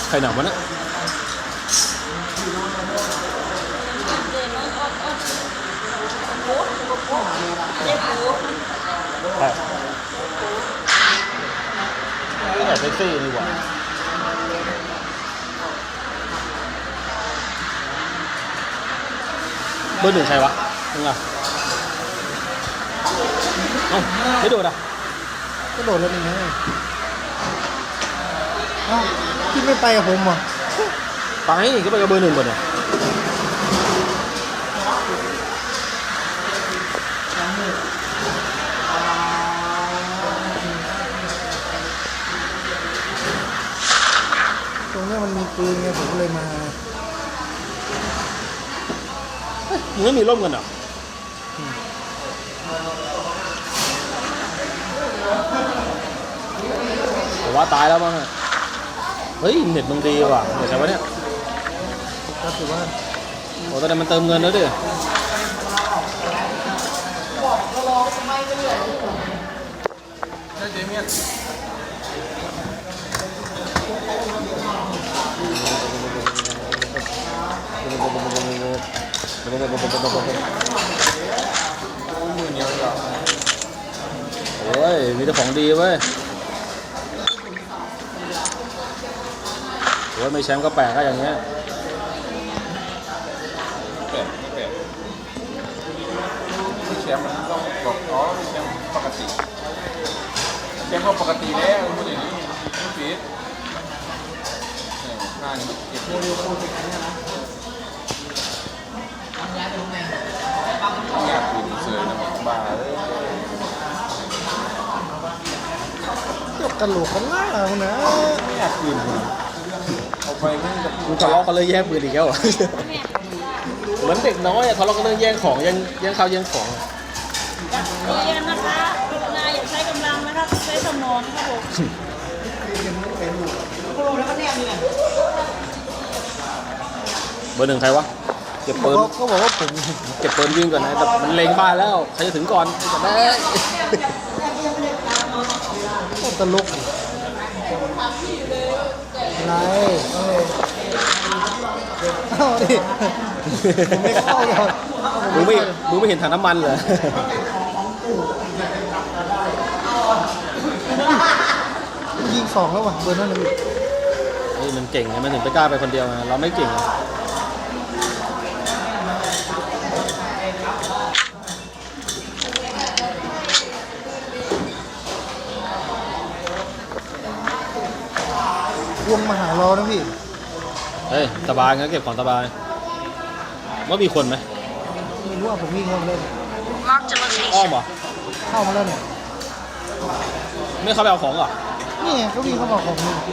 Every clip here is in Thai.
ใครหนักวะเนี่ยใช่ไม่อยากเซ็กซี่ดีกว่าเบอร์หนึ่งใครวะมึงอ่ะเอ้าไม่โดดอ่ะก็โดดแล้วนี่ไงเอ้าพี่ไม่ไปกับผมเหรอไปก็ไปกับเบอร์หนึ่งก่อนเนี่ยตรงนี้มันมีปืนไงผมก็เลยมามึงไม่มีร่มกันเหรอผมว่าตายแล้วมั้งอะเฮ้ยเน็ตมึงดีว่ะเน็ตใช่ปะเนี่ยก็ถือว่าโอ้ตอนนี้มันเติมเงินแล้วดิโอ้ยมีแต่ของดีเว้ยโอ้ยไม่แชมป์ก็แปลกก็อย่างเงี้ยแปลกแชมป์มันต้องบอกอ๋อแชมป์ปกติแชมป์ก็ปกติแล้วพูดอย่างนี้ไม่ผิดหน้านี่เก็บเร็วๆพูดอย่างนี้นะอยากกินเสือนะบ้าเลยเจ้ากระโหลกกันล่าคุณนะไม่อยากกินเอาไปไม่กับมึงทะเลาะกันเลยแย่งปืนอีกแล้วเหรอ เหมือนเด็กน้อยอะทะเลาะกันเรื่องแย่งของแย่งข้าวแย่งของอะเรียนนะคะกรุณาอย่าใช้กำลังนะครับใช้สมองครับผมเบอร์หนึ่งใครวะเก็บปืนเขาบอกว่าผมเก็บปืนวิ่งก่อนนะแต่มันเล็งบ้านแล้วใครจะถึงก่อนจะได้ก็ตลกอะไรเอาดิผมไม่เข้าหรอกมึงไม่เห็นถังน้ำมันเหรอยิงสองแล้วว่ะเบอร์นั่นเลยเฮ้ยมันเก่งไงมันถึงไปกล้าไปคนเดียวไงเราไม่เก่งอะวงมาหาเรานะพี่เฮ้ยสบายงั้นเก็บของสบายว่ามีคนไหมไม่รู้ว่าผมวิ่งเข้ามาเล่น Marked a อ้อ location มเหรอเข้ามาแล้วเนี่ยไม่เข้าไปเอาของเหรอนี่ไงเขาวิ่งเข้ามาของมึง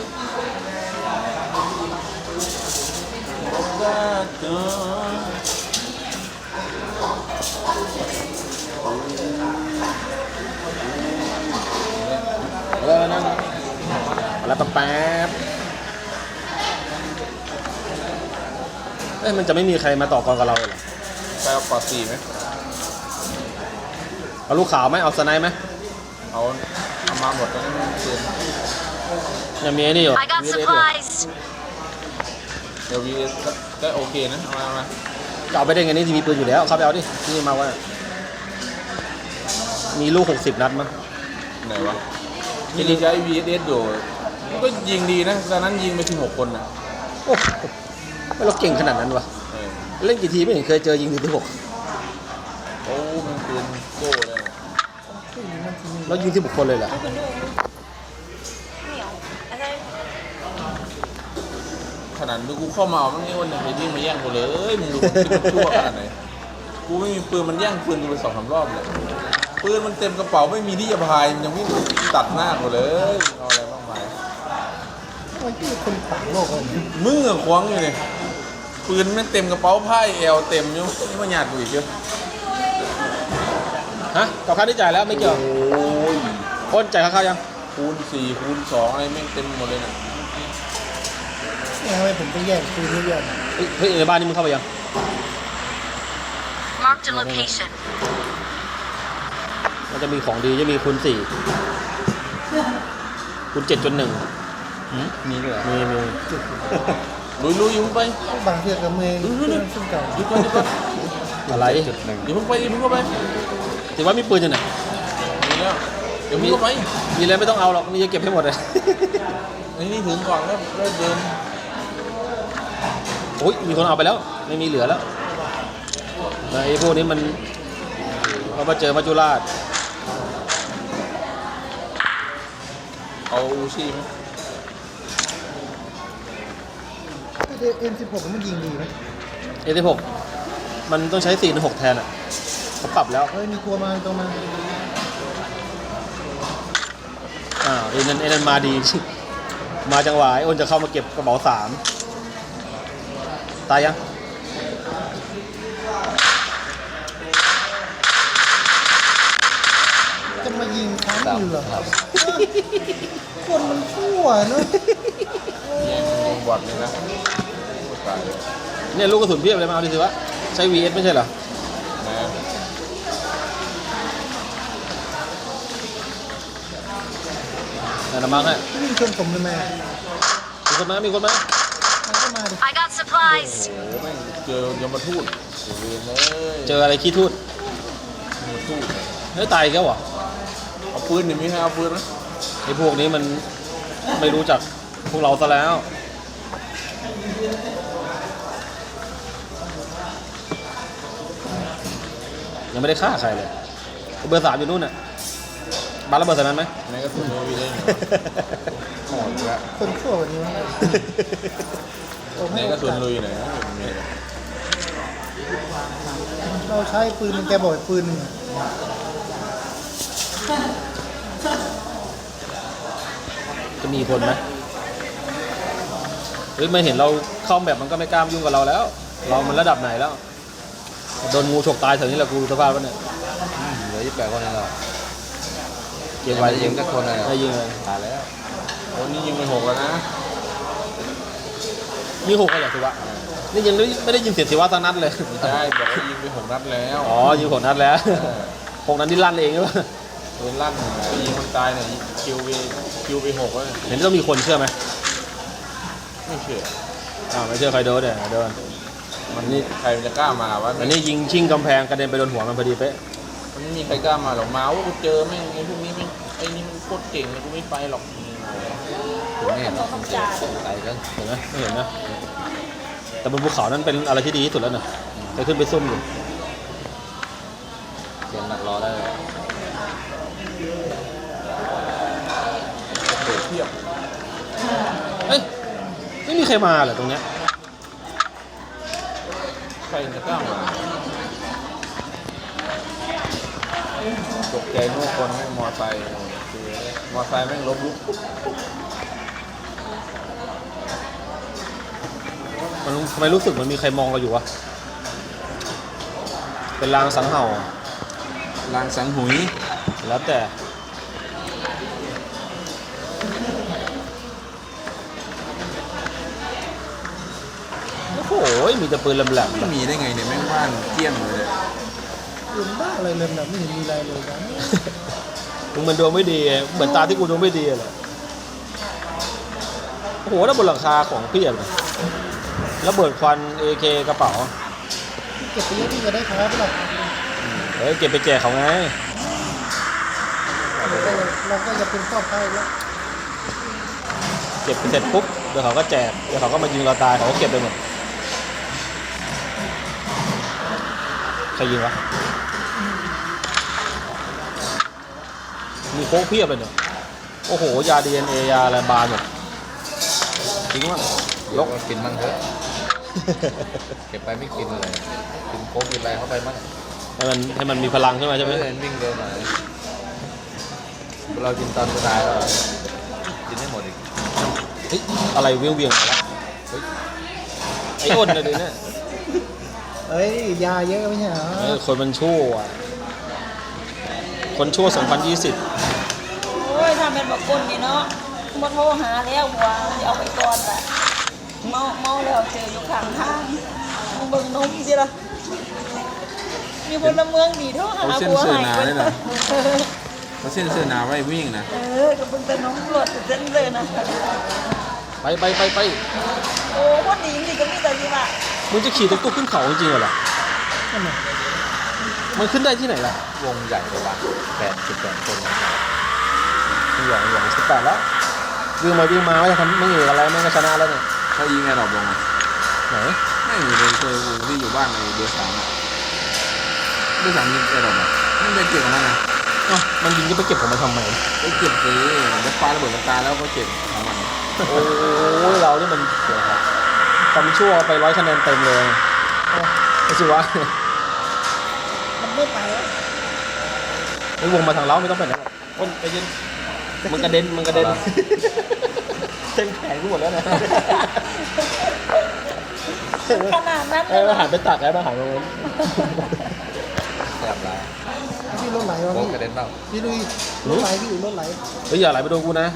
นั่งแล้วแป๊บเอ้ยมันจะไม่มีใครมาต่อกรกับเราเลยเหรอไปเอาปอดสี่ไหมเอาลูกขาวไหมเอาสไนป์ไหมเอามาหมดแล้วนี่เกินยังมีไอ้นี่อยู่ I got VSS อยู่ supplies เดี๋ยว VS ก็โอเคนะเอามาจะเอาไปได้ไงนี่มีปืนอยู่แล้วเข้าไปเอาดิที่นี่มาว่ามีลูก60 นัดมั้งไหนวะที่นี่ใช้ VS อยู่มันก็ยิงดีนะตอนนั้นยิงไป16 คนนะโอ้โหเราเก่งขนาดนั้นวะเออเล่นกี่ทีไม่เห็นเคยเจอยิงถึง16 โอ้มันปืนโก้เลยนะแล้วยิง16 คนเลยเหรอขนาดดูกูเข้ามาเอามันนี่วันหนึ่งไปวิ่งมาแย่งกูเลยมึงดูมันคิดมันชั่วขนาดไหนกูไม่มีปืนมันแย่งปืนกูไป2-3 รอบเลยปืนมันเต็มกระเป๋าไม่มีที่จะพายมันยังวิ่งตัดหน้ากูเลยเอาอะไรบ้างไปมันคือคนต่างโลกเลยมึงอะควงอยู่เลยปืนมันเต็มกระเป๋าผ้าเอวเต็มอยู่นี่มาหยาดกูอีกเยอะฮะกับค่าที่จ่ายแล้วไม่เกี่ยวโอ้ยคนจ่ายค่าข้าวยังคูณ4คูณ2อะไรแม่งเต็มหมดเลยนะนี่ทำไมผมต้องแย่งปืนเยอะเฮ้ยในบ้านนี่มึงเข้าไปยัง Marked a location มันจะมีของดีจะมีคูณ4คูณ7.1 มีด้วยเหรอมีลุยอยู่มึงไปบางเทียกับเมย์ซึ่งเก่าหยุดก่อนหยุดก่อนอะไรอย่าเพิ่งไปอย่าเพิ่งเข้าไปถือว่ามีปืนอยู่ไหนมีแล้วเดี๋ยวมึงเข้าไปมีอะไรไม่ต้องเอาหรอกมีจะเก็บให้หมดเลยนี่ถึงก่อนแล้วเดินโอ้ยมีคนเอาไปแล้วไม่มีเหลือแล้วไอ้พวกนี้มันเรามาเจอมัจจุราชเอาอูชีไหม M16 มันยิงดีไหม A16 มันต้องใช้4-6แทนอ่ะเขาปรับแล้วเฮ้ยมีตัวมาตัวมาไอ้นั่นมาดี มาจังหวะไอ้อ้นจะเข้ามาเก็บกระเป๋า3ตายยังจะมายิงค้างอยู่เหรอคนมันชั่วเนอะยิงบอดเลยนะตายเนี่ยลูกกระสุนเพียบเลยมาเอาดิสิวะใช้ VS ไม่ใช่เหรอนะนั่นนะมั้งฮะมีชนผมเลยแม่มีคนมามีคนมามันก็มาดิ I got supplies. โอ้โหแม่งเจอยมทูตเวรเลยเจออะไรขี้ทูดยมทูตเฮ้ยตายอีกแล้วเหรอเอาปืนหนิมีใครเอาปืนไหมไอ้พวกนี้มันไม่รู้จักพวกเราซะแล้วยังไม่ได้ฆ่าใครเลยเบอร์ 3อยู่นู่นน่ะบ้านระเบิดใส่มันไหมไหนก็ถึงมีได้หอดละคนชั่วกว่านี้วะโอ้ไหนให้ก็โอส่วนกาสลุยไหนนะมีเราใช้ปืนมันแกบอกปืนหนึ่งจะมีคนไหมเฮ้ยไม่เห็นเราเข้าแบบมันก็ไม่กล้ายุ่งกับเราแล้ว เรามันระดับไหนแล้วโดนงูฉกตายแถวนี้แหละกูสภาพวะเนี่ยเหลือ28คนเองเหรอเก็บไว้ยิงสักคนเลยได้ยิงเลยตายแล้วโอ้นี่ยิงไป6แล้วนะมี6อะไรสิวะนี่ยังไม่ได้ยินเสียงสิวะสักนัดเลยใช่บอกว่ายิงไป6นัดแล้วอ๋อยิง6 นัดแล้ว6 นัดนี่ลั่นเองหรือเปล่าปืนลั่นยิงคนตายเนี่ยคิวไป6แล้วเห็นต้องมีคนเชื่อไหมไม่เชื่อไม่เชื่อใครโดนเนี่ยโดนมันนี่ใครมันจะกล้ามาวะอันนี้ยิงชิ่งกำแพงกระเด็นไปโดนหัวมันพอดีเป๊ะมันไม่มีใครกล้ามาหรอกมาว่ากูเจอแม่งไอ้พวกนี้แม่งไอ้นี่มันโคตรเก่งเลยกูไม่ไปหรอกผมไม่เห็นหรอกต้องจ่าไกลกันเห็นไหมไม่เห็นนะแต่บนภูเขานั้นเป็นอะไรที่ดีที่สุดแล้วนะจะขึ้นไปซุ่มอยู่เสียงหนักรอได้เลยเทียบเอ้ยไม่มีใครมาเหรอตรงเนี้ยใครจะกล้ามาตกใจนู่นคนแม่งมอไซค์คือมอไซค์แม่งล้มลุกมันทำไมรู้สึกเหมันมีใครมองเราอยู่วะเป็นลางสังเห่าลางสังหุยแล้วแต่โอ้โหมีแต่ปืนแหลมไม่มีได้ไงเนี่ยแม่งบ้านเกลี้ยงเลยเนี่ยปืนบ้าอะไรเลยแบบไม่เห็นมีอะไรเลยนะๆมึงมันดวงไม่ดีเหมือนตาที่กูดวงไม่ดีเลยโอ้โหแล้วบนหลังคาของเพียบเลยระเบิดควัน AK กระเป๋าเก็บไปเยอะที่จะได้ครับหรอกเฮ้ยเก็บไปแจกเขาไงเราก็จะเป็นครอบครัวแล้วเก็บไปเสร็จปุ๊บเดี๋ยวเขาก็แจกเดี๋ยวเขาก็มายิงเราตายเขาก็เก็บไปหมดใครยิงวะมีโค้กเพียบเลยเนี่ยโอ้โหยา DNA ยาอะไรบานหมดทิ้งมั้งยกกินมั่งเถอะ เก็บไปไม่กินเลยกินโค้กกินอะไรเข้าไปมั่งให้มันมีพลังขึ้นมาใช่ไหมเดินวิ่งเร็วหน่อยเรากินตอนสุดท้ายเรากินให้หมดอีกเฮ้ยอะไรเวียงมาแล้วเฮ้ยไอ้อ้นเลยดิเนี่ยเอ้ยยาเยอะไม่ใช่เหรอคนมันชั่วอะคนชั่ว 2020 โอ้ยทำเป็นแบบคนนี่เนาะมาโทรหาแล้วบัวจะเอาไปก่อนแหละเมาแล้วเจออยู่ข้างทางมึงเบิ่งนมสิล่ะมีพลเมืองดีโทรหาบัวให้ไปเลยเขาเส้นเสื้อหนาไว้วิ่งนะก็เบิ่งแต่น้องปลดเส้นเลยนะไปโอ้คนดีจริงๆก็มีแต่ที่ว่ามึงจะขี่ตุ๊กๆขึ้นเขาจริงๆเหรอนั่นน่ะมันขึ้นได้ที่ไหนล่ะวงใหญ่กว่า18 คนนะอย่าง18แล้ววิ่งมาไม่จะทำไม่เหนื่อยอะไรไม่ก็ชนะแล้วเนี่ยเขายิงไงดอกลงอ่ะไหนไม่มีเลยเคยกูที่อยู่บ้านในเบอร์3อ่ะเบอร์3ยิงไอ้ดอกอ่ะมันไปเก็บของมันนะอ๋อมันยิงก็ไปเก็บของมันทำไมไปเก็บสิแล้วปาระเบิดมันตายแล้วก็เก็บของมันโอ้ยเรานี่มันเสียครับทำชั่วไป100 คะแนนเต็มเลยไม่ใช่วะมันไม่ไปแล้วไอ้วงมาทางเราไม่ต้องไปไหนอ้นไปยืนมันกระเด็นเต็มแขนกูหมดแล้วนะขนาดนั้นเลยหันไปตักแล้วมาหันตรงนู้นแสบร้ายพี่รถไหลวะโบพี่กระเด็นเปล่าพี่ลุยรถไหลพี่รถไหลเฮ้ยอย่าไหลไปโดนกูนะ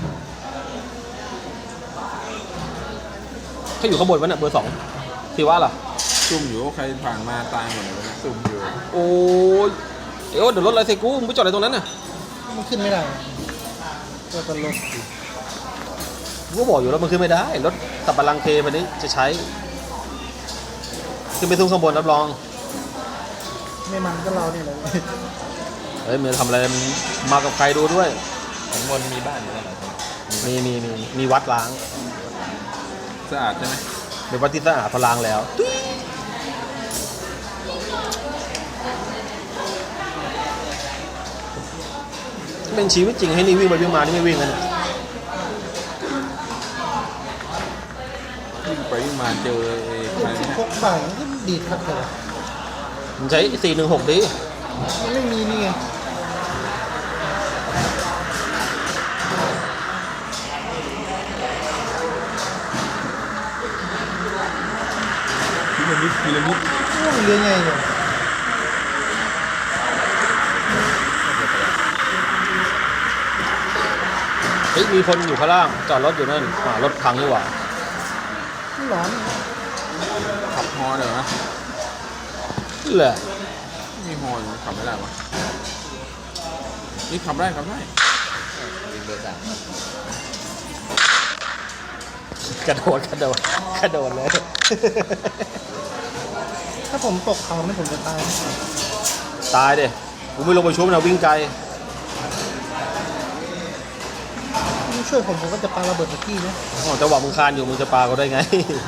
เขาอยู่ข้างบนวะเนี่ยเบอร์ 2ที่ว่าล่ะซุ่มอยู่ใครผ่านมาตายหมดเลยซุ่มอยู่โอ้ยเดี๋ยวรถอะไรใส่กูมึงไปจอดอะไรตรงนั้นน่ะมันขึ้นไม่ได้ก็ตลกกูก็บอกอยู่แล้วมันขึ้นไม่ได้รถตับบัลลังก์เควันนี้จะใช้ขึ้นไปทุ่งข้างบนรับรองไม่มันก็เราเนี่ยแหละเฮ้ยมึงจะทำอะไรมึงมากับใครดูด้วยข้างบนมีบ้านอยู่แล้วเหรอมีวัดล้างสะอาดใช่ไหมเป็นวัดที่สะอาดพอล้างแล้วเป็นชีวิตจริงให้นี่วิ่งไปวิ่งมานี่ไม่วิ่งกันเนี่ยวิ่งไปวิ่งมาเจอไอ้ใครที่เนี่ยพกบ่ายมันก็ดีดครับแต่ว่ามึงใช้416ดิมันไม่มีนี่ไงพีระมิดโอ้ยเรือไงเนี่ยเฮ้ยมีคนอยู่ข้างล่างจอดรถอยู่นั่นรถพังนี่หว่าไม่ร้อนเนี่ยขับฮอเดี๋ยวนะเหรอมีฮออยู่ขับไม่ได้วะนี่ขับได้ยิงเบอร์กระโดดเลยถ้าผมตกเขาเนี่ยผมจะตายตายดิกูไม่ลงไปชุบนะวิ่งไกลพี่ช่วยผมก็จะปาระเบิดตะกี้นะอ๋อจังหวะมึงคานอยู่มึงจะปาเขาได้ไง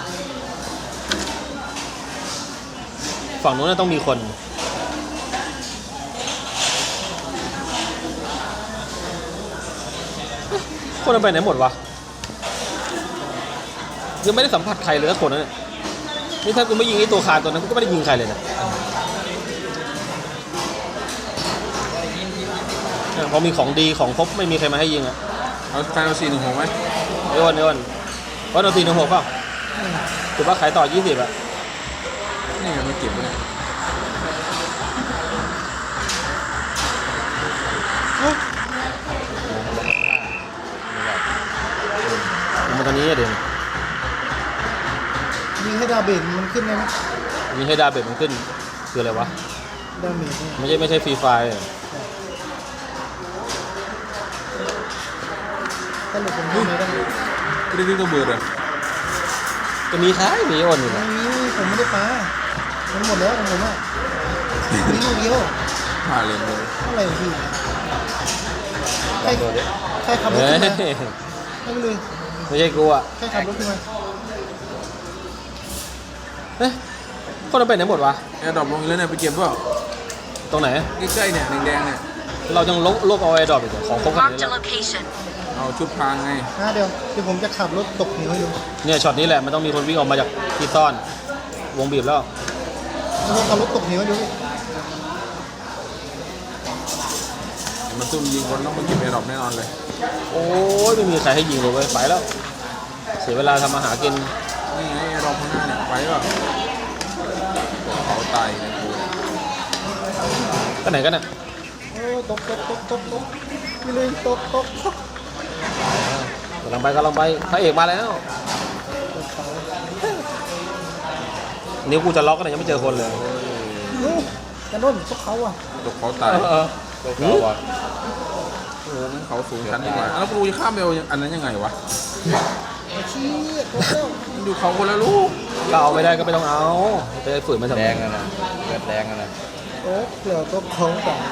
ฝั่งนู้นนะต้องมีคนคนมันไปไหนหมดวะยังไม่ได้สัมผัสใครเลยสักคนนะเนี่ยนี่ถ้ากูไม่ยิงไอ้ตัวคานตัวนั้นกูก็ไม่ได้ยิงใครเลยนะเนี่ยพอมีของดีของครบไม่มีใครมาให้ยิงอ่ะเอาแฟนเอา416ไหมเอ้วันว่าเรา416เปล่าถือว่าขายต่อ20อ่ะนี่ไงมันเก็บไว้เนี่ยมันตอนนี้เดี๋ยวยิงให้ดาเบนมันขึ้นได้ไหมมีให้ดาเบจมันขึ้นคืออะไรวะดาเมจเนี่ยไม่ใช่ฟรีไฟล์สรุปผมยิงไม่ได้ก็ได้ที่ตัวเบอร์เลยจะมีขายมีโอนอยู่ไม่นะมีผมไม่ได้ปามันหมดแล้วของผมอ่ะมีลูกเดียวพาเลนเลยเท่าไหร่พี่ใครตัวเด็กใครขับรถเฮ้ขึ้นมาย ไม่เลยไม่ใช่กูอ่ะใครขับรถขึ้นมาเฮ้ยคนเราไปไหนหมดวะแอร์ดรอปลงอีกแล้วเนี่ยไปเก็บเปล่าตรงไหนใกล้ๆเนี่ยแดงๆเนี่ยเรายังลบเอาไอ้ดอกอีกเหรอของครบขนาดนี้ Marked a แล้ว location. เอาชุดพรางไงเดี๋ยวผมจะขับรถตกเหวให้ดูเนี่ยช็อตนี้แหละมันต้องมีคนวิ่งออกมาจากที่ซ่อนวงบีบแล้วผมขับรถตกเหวให้ดูมันซุ่มยิงคนต้องมาเก็บแอร์ดรอปแน่นอนเลยโอ้ยไม่มีใครให้ยิงเลยเว้ยไปแล้ว เสียเวลาทำอาหารกินนี่ไงแอร์ดรอปข้างหน้าเนี่ยไปเปล่าเขาตายในกูก็ไหนกันน่ะโอ้ตกไปเลยตกกำลังไปพระเอกมาแล้วนิ้วกูจะล็อกกันยังไม่เจอคนเลยจะโน่นพวกเขาอ่ะตกเขาตายตัวเขาบอดโอ้งั้นเขาสูงชั้นดีกว่าแล้วกูจะข้ามไปเอาอันนั้นยังไงวะชี้ตัวเจ้ามันอยู่เขาคนละลูกก็เอาไม่ได้ก็ไม่ต้องเอาไปฝืนมันทำแดไมงอะนะเลือดแดงอะนะโอ้เดี๋ยวตัวของต่าง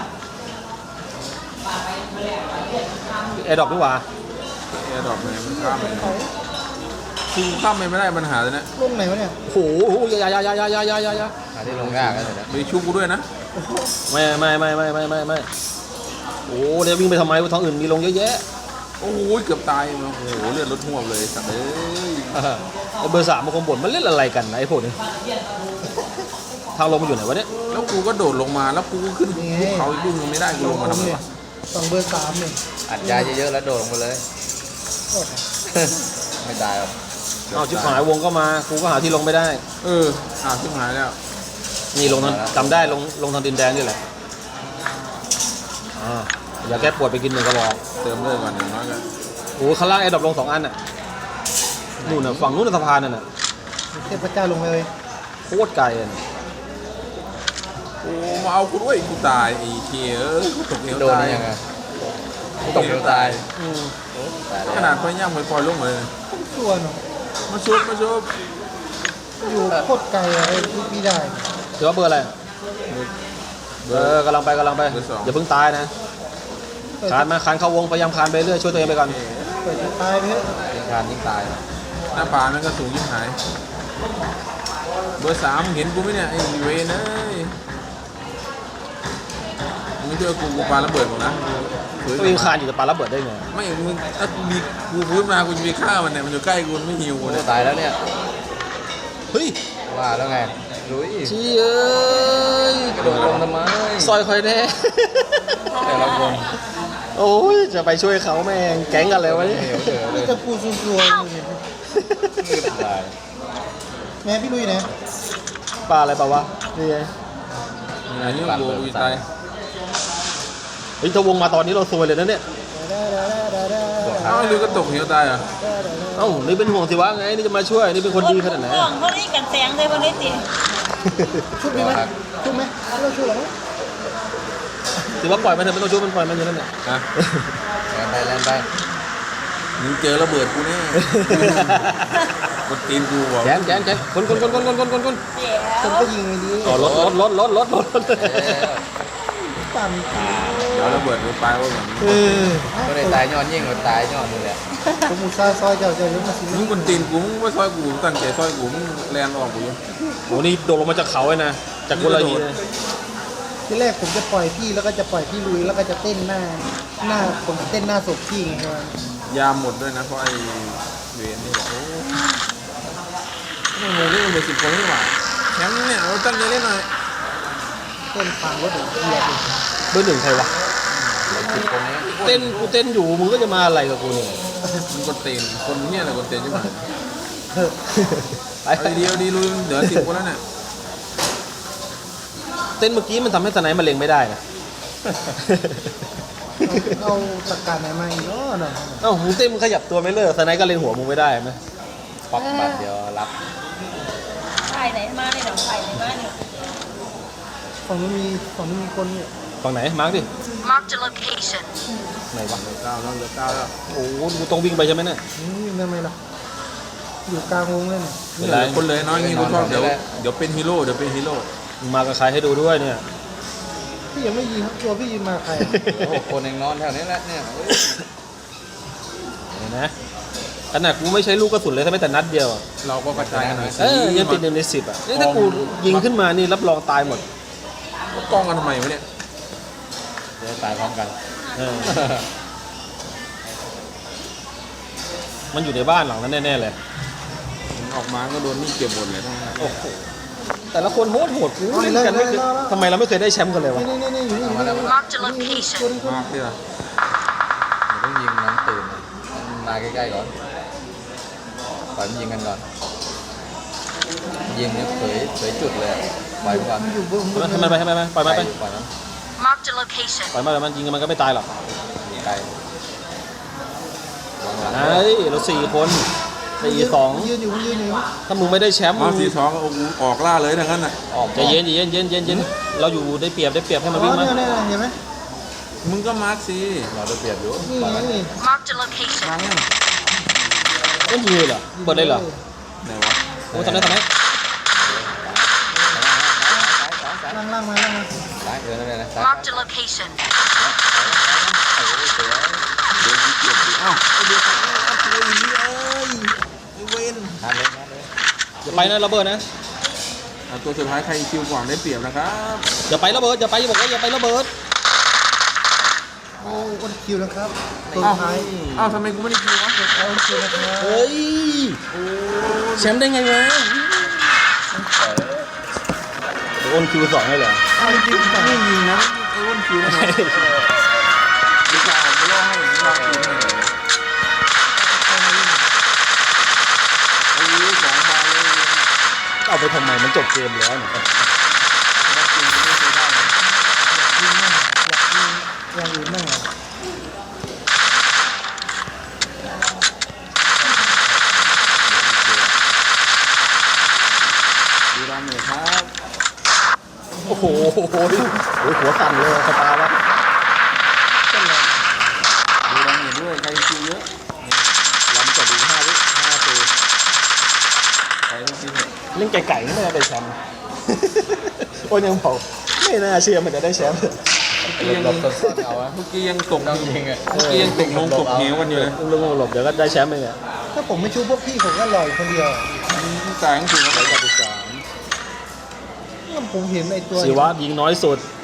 แอร์ดรอปดีกว่าแอร์ดรอปเลยมันข้ามไปคือข้ามไปไม่ได้ปัญหาเลยนะรุ่นไหนวะเนี่ยโอ้โหอยาหาที่ลงยากกันเลยนะไปชุบกูด้วยนะไม่โอ้เดี๋ยววิ่งไปทำไมท้องอื่นมีลงเยอะแยะโอ้โหเกือบตายโอ้โหเลือดลดห่วงเลยสัตว์เอ้ยไอ้เบอร์ 3มันคงบ่นมันเล่นอะไรกันนะไอ้พวกนี้ทางลงมันอยู่ไหนวะเนี่ยแล้วกูก็โดดลงมาแล้วกูก็ขึ้นภูเขาอีกลูกนึงไม่ได้กูลงมาทำไมวะสองเบอร์3เนี่ยอัดยาเยอะๆแล้วโดดลงไปเลยโอ้โหไม่ตายหรอกเอาชิบหายวงก็มากูก็หาที่ลงไม่ได้เออชิบหายแล้วนี่ลงทางจำได้ลงทางดินแดงนี่แหละอย่าแก้ปวดไปกินหนึ่งกระบอกเติมเลือดก่อนอย่างน้อยก็โอ้ข้างล่างแอร์ดรอปลง2 อันน่ะนู่นน่ะฝั่งนู้นนะสะพานนั่นน่ะเทพเจ้าลงเลยโคตรไกลอ่ะโอ้มาเอากูด้วยกูตายไอ้เคียกูตกเหวโดนตายได้ยังไงตกเดียวตายอืมตายขแล้นาว ดไฟย่างไฟปล่อยลงมาเลยตัวเนาะมาชุบอยู่โคตรไกลอะไรพี่ได้ถือว่าเบอร์อะไรกำลังไปอย่าเพิ่งตายนะคานเข้าวงพยายามคานไปเรื่อยช่วยตัวเองไปก่อนเปิดตายไปเถอะยิงทานยิ่งตายหน้าป่ามันก็สูงยิ่งหายเบอร์ 3เห็นกูไหมเนี่ยไอ้เวนเอ้ยมึงไม่ช่วยกูปาระเบิดหมดนะตัวเองคานอยู่แต่ปาระเบิดได้ไงไม่มึงถ้ามีกูพูดมากูจะไปฆ่ามันเนี่ยมันอยู่ใกล้กูมันไม่หิวกูโอ้เนี่ยตายแล้วเนี่ยเฮ้ยว่าแล้วไงลุยชี้เอ้ยกระโดดลงทำไมซอยคอยแน่แต่ละคนโอ้ยจะไปช่วยเขาแม่งแก๊งกันเลยวะเนี่ยเหนียวเฉยเลนี่ยจะปูซัวๆอยู่เนี่ยตายแม่พี่ลุยนะปลาอะไรเปล่าวะนี่ไงไอ้นี่กูกูจะตายเฮ้ยถ้าวงมาตอนนี้เราซวยเลยนะเนี่ยเอ้าไอ้ลือก็ตกเหวตายอ่ะเอ้านี่เป็นห่วงสิวะไงนี่จะมาช่วยนี่เป็นคนดีขนาดไหนห่วงเขานี่กันแสงเลยวันนี้ติชุบดีไหมชุบไหมเราชุบหรอถือว่าปล่อยมันเถอะไม่ต้องช่วยมันปล่อยมันอยู่นั่นแหละนะแลนไปมึงเจอระเบิดกูแน่กดตีนกูบอกแกนคนเดี๋ยวผมก็ยิงไอ้ดีอ๋อรถปั่นเดี๋ยวระเบิดกูไปว่าเหมือนก็ได้ตายย้อนยิ่งกว่าตายย้อนนี่แหละผมอุตส่าห์ซอยเจ้าเยอะมาสิมึงกดตีนกูมึงไม่ซอยกูตั้งใจซอยกูมึงแลนออกกูอยู่โอ้นี่โดดลงมาจากเขาเลยนะจากกุลายีเลยที่แรกผมจะปล่อยพี่แล้วก็จะปล่อยพี่ลุยแล้วก็จะเต้นหน้าผมเต้นหน้าศพพี่ไงครับยาหมดด้วยนะเพราะไอ้เวนนี่บอกโอ้ไม่งงนี่มันเบอร์10 คนนี่หว่าแชมป์เนี่ยเราตั้งใจเล่นหน่อยเต้นฟังรถเหยียบเบอร์ 1ใครวะ 10 คนนี้เต้นกูเต้นอยู่มึงก็จะมาอะไรกับกูเนี่ยมึงกดตีนคนเนี่ยอะไรกดตีนใช่ไหมไปเอาดีๆเอาดีลุยเหลือ10 คนแล้วเนี่ยเต้นเมื่อกี้มันทำให้สไนป์มันเล็งไม่ได้นะเอาตะการไหนมาอีกเนาะเอ้ามึงเต้นมึงขยับตัวไม่เลิกสไนป์ก็เล็งหัวมึงไม่ได้ไหมป๊อปบัตรเดียวรับไข่ไหนมาเนี่ยไข่ไหนมาเนี่ยฝั่งนู้นมีคนเนี่ยฝั่งไหนมาร์กดิ Marked a location. ไหนวะเหลือ9แล้วเหลือ9แล้วโอ้โหกูต้องวิ่งไปใช่ไหมเนี่ยนี่ทำไมล่ะอยู่กลางวงเลยเนี่ยเป็นไรคนเลยน้อยงี้กูชอบเดี๋ยวเป็นฮีโร่เดี๋ยวเป็นฮีโร่มึงมากับใครให้ดูด้วยเนี่ยพี่ยังไม่ยิงตัวพี่ยิงมาใครโอ้คนเองนอนแถวนี้แหละเนี่ยเห็นไหมขนาดกูไม่ใช้ลูกกระสุนเลยถ้าไม่แต่นัดเดียวอะเราก็กระจายกันหน่อยยังติด1 ใน 10อ่ะนี่ถ้ากูยิงขึ้นมานี่รับรองตายหมดกล้องกันทำไมวะเนี่ยจะตายพร้อมกันเออมันอยู่ในบ้านหลังนั้นแน่ๆเลยมันออกมาก็โดนนี่เก็บหมดเลยทั้งนั้นโอ้โหแต่ละคนโหดกูเล่นกันไม่เคยทำไมเราไม่เคยได้แชมป์กันเลยวะนี่อยู่นี่ Marked a location. มากเลยอะเดี๋ยวต้องยิงน้องตื่นมันมาใกล้ๆก่อนปล่อยมันยิงกันก่อนยิงเนี่ยเผยจุดเลยปล่อยมันก่อนอยู่บนให้มันไปปล่อยมันไปปล่อยมัน Marked a location. ปล่อยมันยิงกันมันก็ไม่ตายหรอกยิงไกลวางหลังไอ้เรา4 คน4-2 ยืนอยู่ถ้ามึงไม่ได้แชมป์มาสีทองก็ออกล่าเลยทั้งนั้นน่ะออกใจเย็นเราอยู่ได้เปรียบให้มันวิ่งมาเนี่ยเห็นไหมมึงก็มาร์คสิเราได้เปรียบอยู่นี่ปล่อยมันนี่ Marked a location. มาร์คยังก็ยิงเลยเหรอเปิดเลยเหรอไหนวะโอ้ทำไมล่างมาล่างมาซ้ายนั่นเลยนะซ้าย Marked a location. เดี๋ยวเก็บดิอ้าวไอเดียวกันเอาตัวอย่างนี้ไอเวนทานเลยอย่าไปนะระเบิดนะตัวสุดท้ายใครคิวกว่างได้เปรียบนะครับอย่าไประเบิดอย่าไปบอกว่าอย่าไประเบิดโอ้อ้นคิวนะครับตัวท้ายอ้าวทำไมกูไม่ได้คิววะเอาอ้นคิวนะครับเฮ้ยแชมป์ได้ไงวะโอนคิวสองให้เหรออ้าวจริงๆไม่ยิงนะไอ้อ้วนคิวนะดิฉันไม่รอให้ไม่รอคิวให้โอ้ยสองบาทเลยเอาไปทำไมมันจบเกมแล้วเนี่ยนักจริงไม่เคยได้เลยยิงมั่งอยากยิงอย่างอื่นมั่งอ่ะดูดำหน่อยครับโอ้โหหัวสั่นเลยสตาร์วะดูดำหน่อยด้วยใครคิวเยอะลำจบอีก5 วิ5 ปีใครต้องคิวเยอะเล่นไก่ๆนี่ไม่ได้แชมป์ โอ้ยยังบอกไม่น่าเชื่อมันจะได้แชมป์หลบต้นเอาอะเมื่อกี้ยังตกต้องยิงอะเมื่อกี้ยังตกลงตกเหวกันอยู่เลยลุงหลบเดี๋ยวก็ได้แชมป์เองอะถ้าผมไม่ชูพวกพี่ผมก็ลอยคนเดียวจ่ายทั้งคืนครับ 193 ผมเห็นไอ้ตัวศิวะยิงน้อยสุด